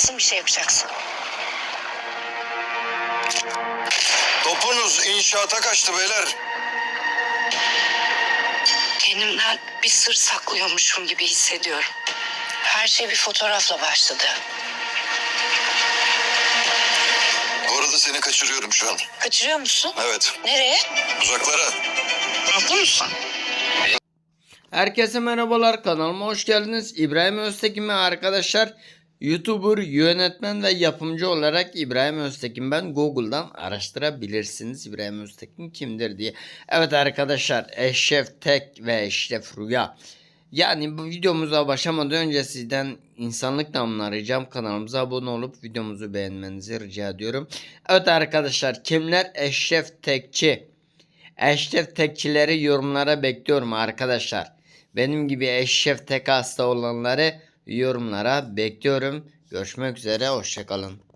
Kesin bir şey yapacaksın. Topunuz inşaata kaçtı beyler. Kendimden bir sır saklıyormuşum gibi hissediyorum. Her şey bir fotoğrafla başladı. Bu arada seni kaçırıyorum şu an. Kaçırıyor musun? Evet. Nereye? Uzaklara. Mutlu musun? Herkese merhabalar, kanalıma hoş geldiniz. İbrahim Öztekin ve arkadaşlar, YouTuber, yönetmen ve yapımcı olarak İbrahim Öztekin ben. Google'dan araştırabilirsiniz İbrahim Öztekin kimdir diye. Evet arkadaşlar, Eşref Tek ve Eşref Rüya. Yani bu videomuza başlamadan önce sizden insanlık namına ricam, kanalımıza abone olup videomuzu beğenmenizi rica ediyorum. Evet arkadaşlar, kimler Eşref Tekçi? Eşref Tekçileri yorumlara bekliyorum arkadaşlar. Benim gibi Eşref Tek hasta olanları yorumlara bekliyorum. Görüşmek üzere, hoşçakalın.